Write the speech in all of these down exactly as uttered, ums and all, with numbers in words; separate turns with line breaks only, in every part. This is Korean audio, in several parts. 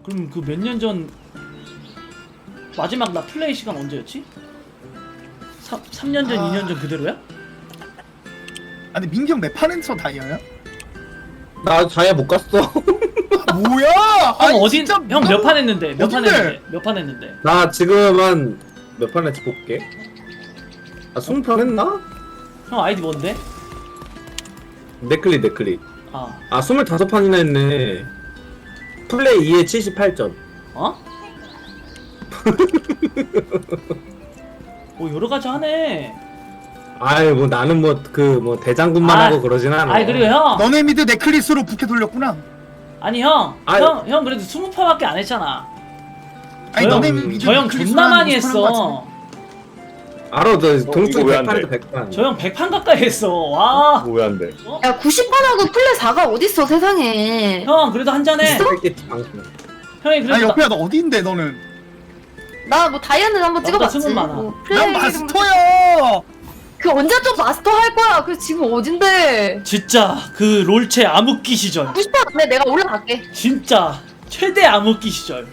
그럼 그 몇 년 전 마지막 나 플레이 시간 언제였지? 삼 년 전,
아...
이 년 전 그대로야?
아니 민기 형 내 판에서 다이아야?
나 다이아 못 갔어.
아, 뭐야?
형
아니,
어딘
진짜
형 몇 판 했는데? 몇 판
어딘데?
했는데? 몇 판 했는데?
나 지금 한 몇 판 했지 볼게. 아 스무 판 했나?
형 아이디 뭔데?
네클리 네클리.
아,
아 스물다섯 판이나 했네. 플레이 이에 칠십팔 점.
어? 뭐 여러 가지 하네.
아이 뭐 나는 뭐 그 뭐 대장군만
아,
하고 그러진 않아.
아니 그리고 형,
너네 미드 넷클리스로 부캐 돌렸구나.
아니 형,
아이.
형, 형 그래도 스무 판밖에 안 했잖아.
아니
저
너네
형,
미드
저 형
넷클리스로
존나
하는
많이
거 사는 거
했어.
알아, 너
이거
동수
왜안
백 판에서
돼?
백 판.
저 형 백 판 가까이 했어. 와.
뭐 왜 안 돼?
야 구십 판하고 플레 사가 어딨어 세상에.
형 그래도 한 잔해.
있어?
형이
같아. 아
그래도
옆에야 너 어디인데 너는?
나 뭐 다이아는 한번
나보다
찍어봤지.
승은 많아.
뭐
난
플레이
마스터야.
그 언제 또 마스터 할 거야? 그 지금 어딘데?
진짜 그 롤체 암흑기 시절,
구십 판 안에 내가 올라갈게.
진짜 최대 암흑기 시절,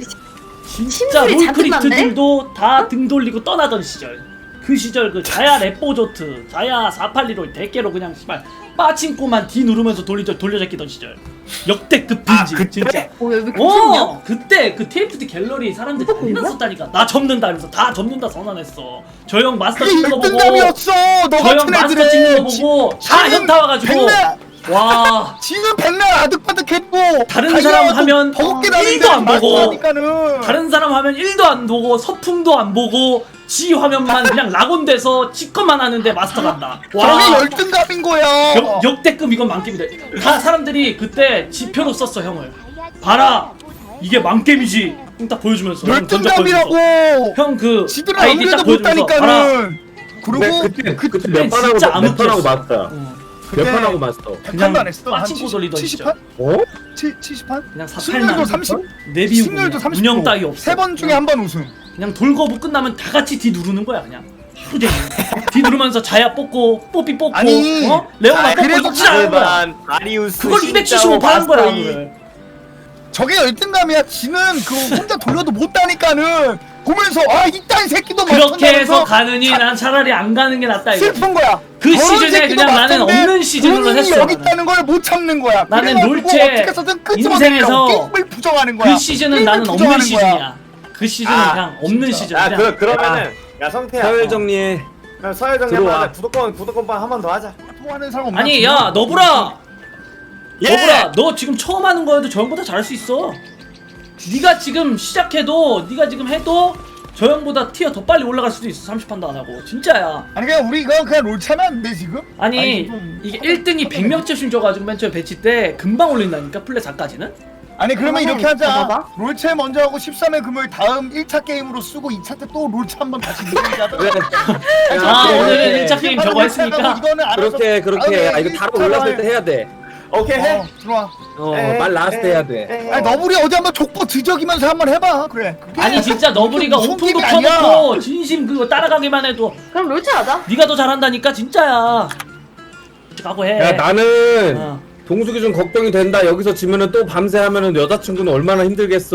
진짜
심술이 잔뜩
롤크리트들도 다 등 돌리고 떠나던 시절. 그 시절 그 자야 랩보조트, 자야 사팔리로 대깨로 그냥 씨발 빠친코만 D 누르면서 돌리저 돌려잡기던 시절. 역대급 빈지.
아, 그때?
진짜.
어, 왜 이렇게 좋냐?
어 그때 그 티에프티 갤러리 사람들 다
그거
났었다니까. 나 접는다 하면서 다 접는다 선언했어. 저 형 마스터
그게
찍는 거 보고,
일등감이었어. 너
저 형
같은
마스터
애들은
찍는 거 보고 다
지는
현타 와가지고
백날
와.
지는 백날 아득바득했고
다른 사람 하면
버겁게 나는데
일도 안 보고,
마스터니까는.
다른 사람 화면 일도 안 보고 서풍도 안 보고 지 화면만 그냥 락온돼서 찍것만 하는데 마스터 간다.
저게
와.
열등감인 거야.
역, 역대급 이건 만겜이다. 다 사람들이 그때 지표로 썼어 형을. 봐라 이게 만겜이지. 형 딱 보여주면서 형 전적 보여주면서.
열등감이라고.
형그
지들은
아이디 딱
아무래도
보여주면서 봐라.
못하니까는. 그리고
근데 그때
그
그때
그때
몇 판하고
진짜
몇 판하고
암흑기였어.
마스터야.
어,
몇 판하고 마스터.
백 판도 안 했어. 한
빠친코 돌리던
칠십
시절.
판?
어?
칠십 판?
그냥
승률도
사팔만
삼십.
내비우고
승률도
그냥
삼십.
운영 따위 없어.
세 번 중에 한 번 우승.
그냥 돌거부 끝나면 다 같이 D 누르는 거야 그냥. 하루 종일 D 누르면서 자야 뽑고 뽀삐 뽑고
아니,
어? 레오나 뽑고
그래도
이치라는 거야.
아리우스
그걸 이백칠십오 판 한 거야 그걸.
저게 열등감이야. 지는 그 혼자 돌려도 못 따니까는 보면서 아 이딴 새끼도
그렇게 해서
맞춘다면서
가느니 난 차라리 안 가는 게 낫다 이거.
슬픈 거야.
그
저런
시즌에
새끼도
그냥 나는
맞던데
없는 시즌으로
본인이
했어,
여기
나는.
있다는 걸 못 참는 거야.
나는
그래가지고
롤체
어떻게 해서든 끄집어내려고
인생에서
게임을 부정하는 거야.
그 시즌은
게임을
나는 없는
부정하는 거야.
시즌이야. 그 시즌은
아,
그냥 없는 시즌.
야
그냥.
그 그러면은 야 성태야.
서열 정리해.
그럼 서열 정리
들어와.
한번 하자. 구독권 구독권방 한 번 더 하자.
또 하는 사람 없나?
아니 야 너브라,
예!
너브라 너 지금 처음 하는 거여도 저 형보다 잘할 수 있어. 네가 지금 시작해도 네가 지금 해도 저 형보다 티어 더 빨리 올라갈 수도 있어. 삼십 판도 안 하고 진짜야.
아니 그냥 우리 이거 그냥 롤 차면 안 돼 지금?
아니
좀
이게
하다-
일 등이
하다
백 명째씩 줘가지고 맨 처음에 배치 때 금방 올린다니까 플레 사까지는.
아니 그러면
봐봐,
이렇게 하자.
봐봐.
롤체 먼저 하고 십삼 회 금요일 다음 일 차 게임으로 쓰고 이 차 때 또 롤체 한번 다시 늘리자.
그래.
아
그래.
오늘은 일 차 게임 저거 했으니까.
이거는 알아서
그렇게 그렇게. 아 이거
다음에
다로 올랐을 때 해야 돼.
오케이 해.
어 들어와.
어
에,
말 나왔을 때
에,
해야 돼.
에,
아니 너구리 어디 한번 족보 뒤적이면서 한번 해봐. 그래. 그게
아니 진짜 너브리가
무슨
오픈도
게임이 아니야.
켜놓고 진심 그거 따라가기만 해도
그럼 롤체 하자.
네가 더 잘한다니까 진짜야. 가고 해.
야 나는
어.
동숙이 좀 걱정이 된다. 여기서 지면은 또 밤새 하면은 여자친구는 얼마나 힘들겠어.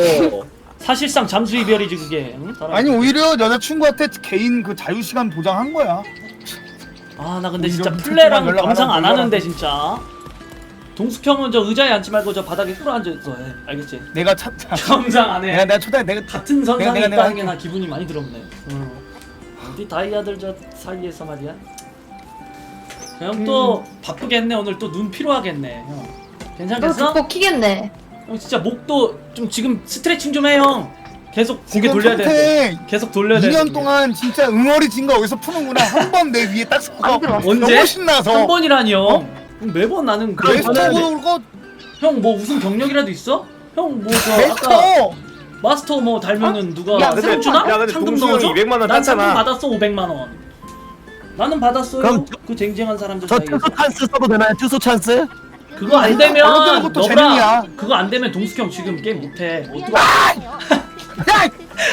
사실상 잠수 이별이지 그게. 응? 사람.
아니 오히려 여자친구한테 개인 그 자유 시간 보장한 거야.
아 나 근데
뭐
진짜
이런
플레랑
연락 안
감상
하고
안
연락
하는데
안
진짜. 동숙형은 저 의자에 앉지 말고 저 바닥에 꿇어 앉아있어 해. 알겠지?
내가 찾자.
감상 안
내가
해.
내가 초대 내가
같은 선상에
내가, 내가
있다는 게
할게.
나 기분이 많이 들었네. 응. 어디 다이아들 저 사이에서 말이야. 형 또
음.
바쁘겠네. 오늘 또 눈 피로하겠네. 형.
너
괜찮겠어?
족보 키겠네.
형 진짜 목도 좀 지금 스트레칭 좀 해 형. 계속 고개 돌려야 돼.
돼.
계속 돌려야 돼.
이 년 동안 진짜 응어리진 거 여기서 푸는구나. 한 번 내 위에 딱 서서
안 들어왔어.
언제?
너무 신나서.
한 번이라니 형.
어?
매번 나는 그런
베스트
거
그거
형뭐 우승 경력이라도 있어? 형 뭐 저 아까
베스트.
마스터 뭐 달면은 누가
야,
상금
근데-
주나?
야, 근데
상금
동수 형이
넣어줘?
이백만 원
난 상금
땄잖아.
받았어 오백만 원. 나는 받았어요.
그럼
그 쟁쟁한 사람들
저
사이에서.
투소 찬스 써도 되나요? 투소 찬스?
그거 안
아니,
되면
알아듣는 것도
너브라
재능이야.
그거 안 되면 동숙형 지금 게임 못해. 어떡해.
야!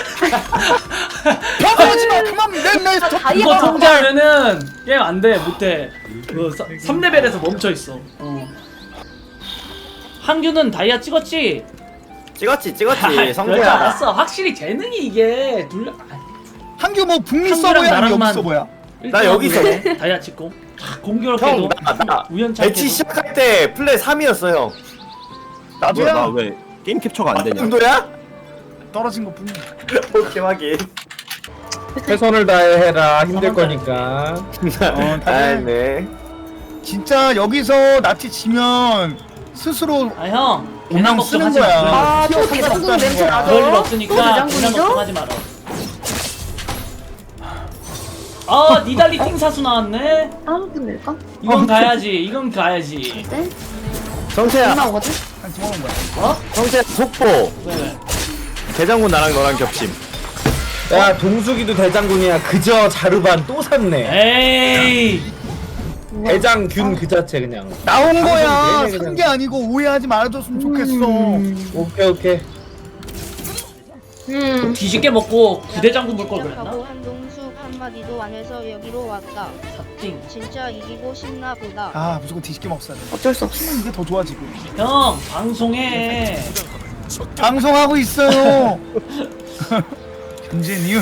병하지 마. 그만 내내
아,
그거
다이아
통제하면은 게임 안 돼. 못해. 그 삼 레벨에서 멈춰 있어. 어. 한규는 다이아 찍었지?
찍었지 찍었지
그럴 줄
성태야.
알았어. 확실히 재능이 이게 둘. 아,
한규 뭐 북미
한규랑
서버야 아니면 여기
나랑만-
서버야?
나 여기 있어.
다이아 찍고 공교롭게도
형나
우연찮게
배치 시작할 때 플레이 삼이었어 형.
나도야.
나 왜 게임 캡처가 안 되냐?
정도야?
떨어진 것 뿐이야.
오케이 확인.
최선을 다해 해라. 힘들
한번
거니까.
어, 다들
아네.
진짜 여기서 나티 지면 스스로
아 형,
오남
괜한
쓰는
걱정하지
거야.
마.
아,
티어
또
상관
대장군
없다는
냄새
거야.
나죠?
그럴 일
또
없으니까 괜한
대장군이죠?
걱정하지 마라. 아 니달리 팅 사수 나왔네.
다음 분 낼까?
이건 가야지. 이건 가야지.
네?
성태야.
나오거든?
한 집어먹은 거야.
어?
성태야 속보.
왜 왜?
대장군 나랑 너랑 겹침.
야 동숙이도 대장군이야. 그저 자르반 또 샀네.
에이.
대장균 그 자체 그냥.
나온 거야.
내내 그냥.
산 게 아니고 오해하지 말아줬으면 좋겠어.
음.
오케이 오케이.
음.
뒤집게 먹고 부대장군 볼 걸 그랬나?
하고 한동숙 한마디도 안 해서 여기로 왔다.
삿띵.
진짜 이기고 싶나 보다.
아 무조건 뒤집게 먹어야 돼.
어쩔 수 없어.
이게 더 좋아 지금.
형 방송해.
방송하고 있어요. 현재 니은.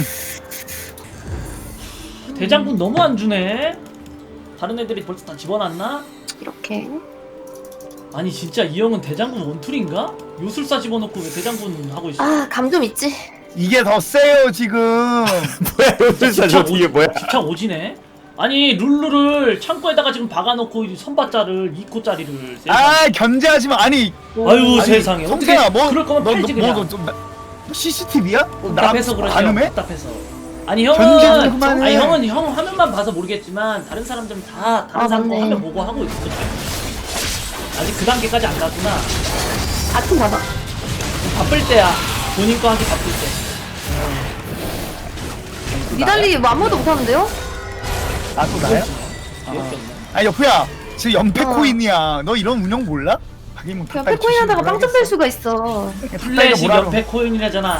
대장군 너무 안 주네. 다른 애들이 벌써 다 집어놨나?
이렇게.
아니 진짜 이 형은 대장군 원툴인가? 요술사 집어넣고 왜 대장군 하고 있어?
아, 감좀 있지.
이게 더 세요 지금.
뭐야 요술사 저 뒤에 뭐야?
집착 오지네? 아니 룰루를 창고에다가 지금 박아놓고 이 선바자를 이 코짜리를
아 견제하지 마. 아니.
아유 세상에 어떻게
성태야 뭐
그럴 거면
너,
팔지
너,
그냥
뭐, 너, 좀 나- 씨씨티비야?
답답해서 그러죠.
가늠해?
답답해서. 아니
견제
형은
좀 그만해.
아니 형은 형 화면만 봐서 모르겠지만 다른 사람들은 다 다른
아,
사람 거
맞네.
화면 보고 하고 있어. 아직 그 단계까지 안 갔구나.
같은 받아.
바쁠 때야. 본인 거 하기 바쁠 때.
니달리 뭐 아무도 못하는데요?
나도 나야?
귀엽게 없네.
아 여프야 지금 연패
어.
코인이야. 너 이런 운영 몰라? 하긴 뭐
그냥
닭다리
패코인 하다가
주식으로
빵점 뺄 수가 있어.
하겠어.
플래시
뭐라
연패 코인이라잖아.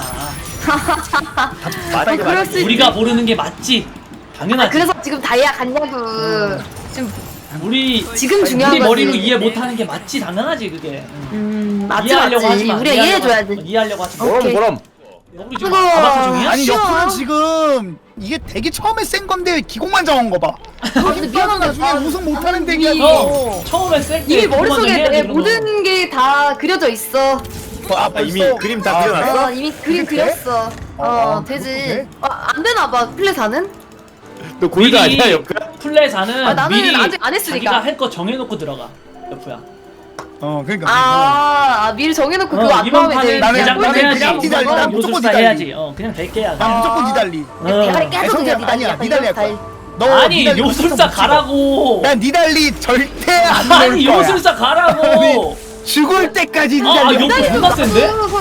아, 그럴 수 있지.
우리가 모르는 게 맞지.
아,
당연하지.
그래서 지금 다이아 갔냐고. 지금,
우리
지금 중요한
우리
거지.
머리로 이해 못하는 게 맞지. 당연하지 그게.
음, 맞지,
이해하려고 하지
맞지.
마.
우리가
이해하려고
이해해줘야지.
하지 마. 이해하려고 하지 마.
어.
그럼
오케이.
그럼.
우리 지금
아이고.
아바타 중이야?
아니
쉬워.
여프는 지금 이게 되게 처음에 센 건데 기공만 정한 거 봐.
아, 근데 미안한데.
나중에 우승 못하는
이미-
덱이야.
형 처음에 셀때
이미 머릿속에 내 모든 게 다 그려져 있어.
아,
아, 이미
벌써?
그림 다
아,
그려놨어?
어, 이미 그림
그래?
그렸어. 어,
어,
되지.
그래?
어, 안 되나 봐, 플레사는?
너 골드 아니야 옆에?
플레이사는
아, 나는
미리
아직 안 했으니까.
자기가 할 거 정해놓고 들어가. 여프야.
어 그러니까.
아, 아, 미리 정해놓고 그거 안
이번
나오면 이제
판은
나는-
대장군
나는
해야지.
그냥 니달리, 난
이번
무조건
요술사
니달리.
해야지. 어 그냥 될게야.
난 무조건 니달리.
대가리
어.
깨서
성태
그냥 니달리
아니야,
약간
니달리
이런
할 거야.
스타일.
너
아니
니달리
요술사
무조건 못 찍어.
가라고.
난 니달리 절대 안 넣을
아니
거야.
요술사 가라고.
죽을 때까지
아, 아
니달리.
요거
니달리
존나 센데?
서로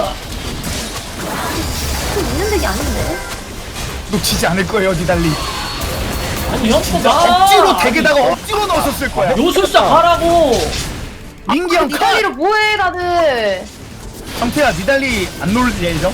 있는 덱이 아닌데?
놓치지 않을 거예요 니달리.
아니 형
진짜
봐.
억지로 덱에다가 억지로 넣었을 거야.
요술사 가라고.
민기 형 카.
니달리로 뭐해 다들?
성태야 니달리 안 놀 예정?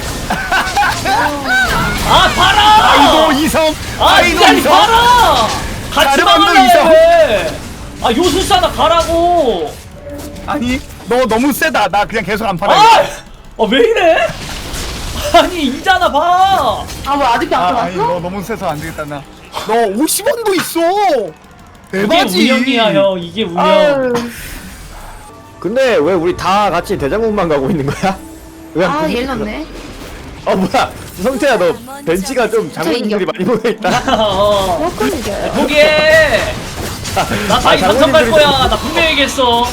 아 봐라.
아이도 이성.
아
아이도
니달리
이성.
봐라. 같이
가르마도
막을래
이성.
왜? 아 요술사나 가라고.
아니 너 너무 세다. 나 그냥 계속 안 팔아.
아! 어, 왜 이래? 아니, 이잖아, 봐!
아, 뭐 아직도 안
아, 아니 너
들어왔어?
너무 세서 안 되겠다 나. 너 오십 원도 있어.
이게
대박이지.
운영이야, 형. 이게 운영.
아유,
근데 왜 우리 다 같이 대장군만 가고 있는 거야? 왜
아,
한
얘
분이
넣네.
어 뭐야 성태야 너 벤치가 좀 장군님들이 많이 모여있다.
어.
그렇군, 이게.
포기해! 나 다이
아,
당선 갈
장군님들이
거야. 나 분명히 얘기했어.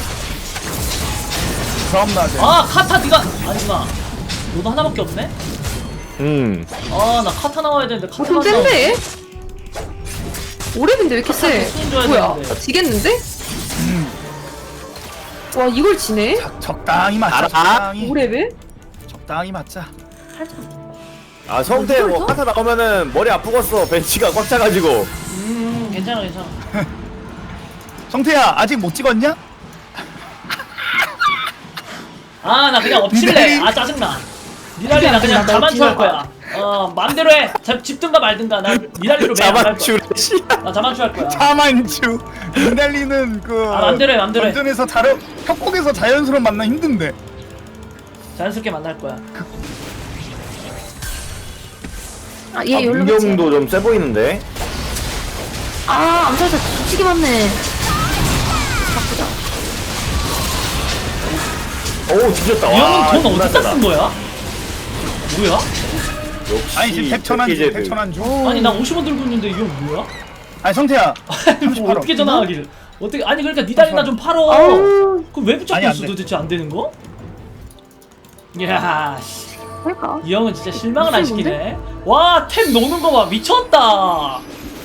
그럼 나 돼.
아, 카타 니가. 아니구나. 너도 하나밖에 없네?
음.
아, 나 카타 나와야 되는데,
어,
카타
좀 센데? 오래인데 왜 이렇게 세?
수준 줘야
뭐야?
되는데.
지겠는데? 와, 이걸 지네?
적- 적당히 맞자.
알아.
적당히.
오 레벨?
적당히 맞자.
아 성태 뭐 카타 나오면은 머리 아프겠어. 벤치가 꽉 차가지고.
음, 괜찮아, 괜찮아.
성태야 아직 못 찍었냐?
아, 나 그냥 엎칠래.
니달리?
아, 짜증나. 니달리 나 그냥
나
자만추 할
엎치마.
거야. 어, 맘대로 해. 자, 집든가 말든가. 나 니달리로 매일 안갈 거야.
자만추래 씨.
나 자만추 할 거야.
자만추. 니달리는 그
아, 맘대로 해, 맘대로 해.
던전에서 자연 협곡에서 자연스러운 만남 힘든데.
자연스럽게 만날 거야.
아얘
아,
열로 그치?
문경도 좀 세 보이는데.
아 암살자 뒤치기 맞네. 바꾸자.
오 뒤졌다.
이 형은
와,
돈
존나
어디다
세다.
쓴 거야? 뭐야?
역시
아니 지금 백천한 중
백기제들.
백천한 중
아니 나 오십 원 들고 있는데 이 형 뭐야?
아니 성태야
아니 뭐 어떻게 전화하기를 어떻게 아니 그러니까 니 달이나 좀 팔어.
아우.
그럼 왜 붙잡고
아니, 안
있어
돼.
도대체 안 되는 거? 이야 씨.
그러니까.
이 형은 진짜 실망을 안
무슨
시키네. 와 템 노는 거 봐 미쳤다.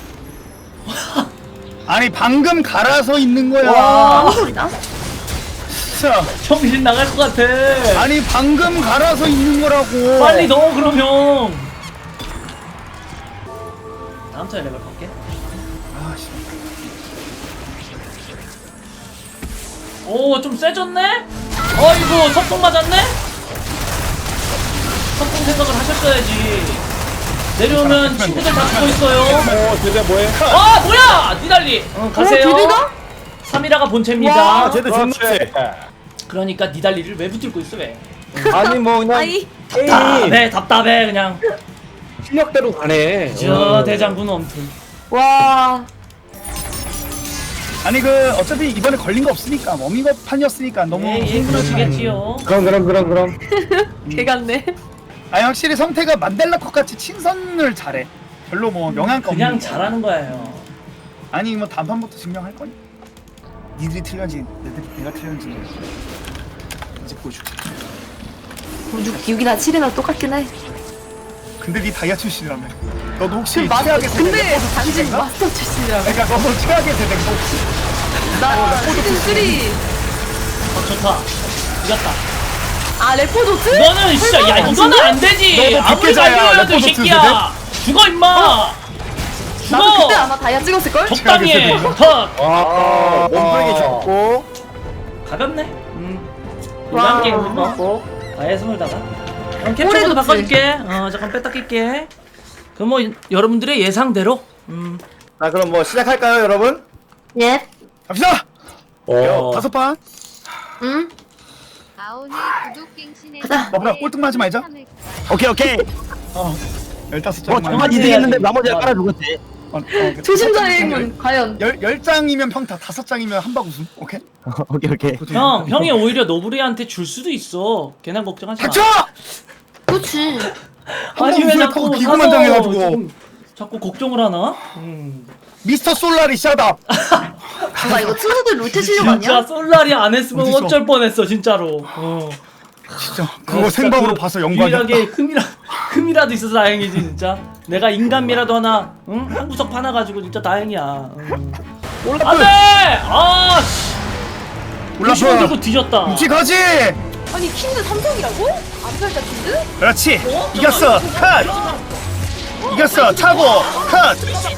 아니 방금 갈아서 있는 거야
와.
무슨 소리다?
진짜
정신 나갈 것 같아.
아니 방금 갈아서 있는 거라고
빨리 넣어 그러면. 다음 차례 레벨 갈게.
아씨
오 좀 세졌네? 어이구 석공 맞았네? 석공 생각을 하셨어야지. 내려오면 친구들 다 죽고 있어요.
어 제대 뭐해?
아 뭐야 니달리 어, 가세요.
어, 디비가?
삼이라가 본체입니다.
아 제대 존나 세.
그러니까 니달리를 왜 붙들고 있어 왜?
아니 뭐 그냥
아이.
답답해 답답해 그냥.
실력대로 가네.
저 대장군 엄청.
와.
아니 그 어차피 이번에 걸린 거 없으니까 워밍업 판이었으니까 너무
예, 예 그러시겠지요.
그럼 그럼 그럼 그럼.
개 같네.
아니 확실히 성태가 만델라 컷 같이 친선을 잘해 별로 뭐 영향가 없는
그냥
거.
잘하는 거예요.
아니 뭐 단판부터 증명할 거니 니들이 틀렸지 내가, 내가 틀렸지 이제 보여줄게
육 이나 칠이나 똑같긴 해.
근데 니 다이아 출신이라며 너도 혹시
마스터,
최악의 세대
근데
레포드
단지
출신인가?
마스터 출신이라고.
그러니까 너도 최악의 세대인 거 혹시
나 시즌 쓰리.
어 좋다. 이겼다.
아 레포도트?
너는 진짜 야 이거는 안 되지.
너도
아무리
뒷계좌야,
발견해도 이
레포드
새끼야. 죽어 임마.
나도 그때
죽어.
아마 다이아 찍었을걸?
적당히 해.
최악의
컷.
아 몸풀기 좋고.
가볍네. 음.
와.
노란 게임 뭐. 아예 스물다가. 그럼 캡처
오래됐지.
모드 바꿔줄게. 어 잠깐 뺐다 낄게. 그럼 뭐 여러분들의 예상대로. 음.
자 그럼 뭐 시작할까요 여러분?
예.
갑시다
어.
다섯 판
응?
아오니 구독갱신에
가자.
너보다 꼴등만 하지 말자
오케이 오케이.
어 열다섯
뭐
장만
정말 이득했는데 나머지가 깔아 죽었지.
어, 어,
조심자의 힘은 과연.
열, 열 장이면 평타 다섯 장이면 한박 우승 오케이
오케이 오케이.
형 형이 오히려 노브리한테 줄 수도 있어. 걔는 걱정하지 마.
닥쳐!
그렇지.
한번
아니 왜
우승을
자꾸
타고
사서
기구만 당해가지고
지금 자꾸 걱정을 하나? 음.
미스터 솔라리 샷업
나 이거 투수들 롤테 실력
진짜
아니야?
솔라리 안 했으면
어딨어?
어쩔 뻔했어 진짜로. 어.
진짜
어,
그거
진짜
생방으로
그
봐서 영광이었다
유일하게 흠이라 흠이라도 있어서 다행이지 진짜. 내가 인간미라도 하나, 응? 한 구석 파놔가지고 진짜 다행이야. 응. 안돼! 아 씨. 오십 원 들고
올라프
뒤졌다.
묵지 가지
아니 킨드 삼성이라고? 암살자 킨드?
그렇지
어?
이겼어
잠깐만.
컷 이겼어 차고 컷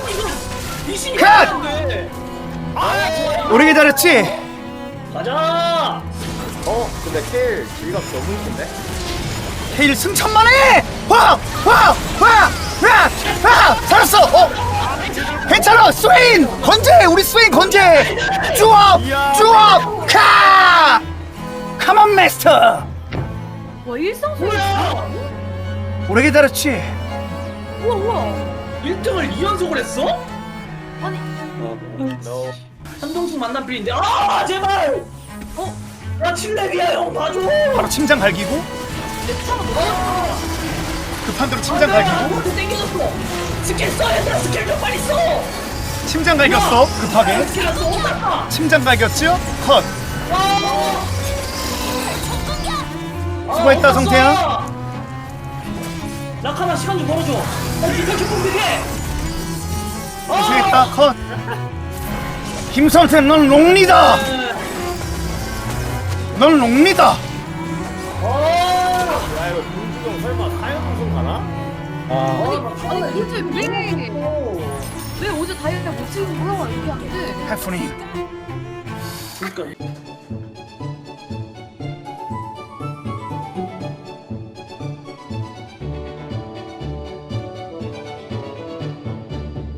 컷 오래 기다렸지
가자.
어 근데 킬 질감 너무 힘든데?
헤일 승천만해 와와와와와 살았어 어 괜찮아 스웨인 건재 우리 스웨인 건재 쭈업 쭈업 카 카만 마스터
와 일상소리야.
오래 기다렸지
우와 우와.
일 등을 이 연속을 했어?
아니
너
한동숙 만난 필인데 아 제발. 어? 나 칠렙이야 형 봐줘.
바로 침장 갈기고
내 차가 뭐야?
급한 대로 침장 갈기고
아무도 땡겨졌어. 스킬 써 얘들아 스킬 좀 빨리 써.
침장 갈겼어 급하게
스킬 안 써. 어떡하?
침장 갈겼죠 컷 수고했다, 성태야.
라카나 시간 좀 벌어줘. 빨리 피카츄 뿜비게.
수고했다 컷 김성태 넌 롱리다 넌 롱리다
야 이거 김주경 설마 사연 방송 가나?
아니 아니 도대체 왜? 왜 어제 다이아 못 찍은 거야? 이게 안 돼.
해프닝
그러니까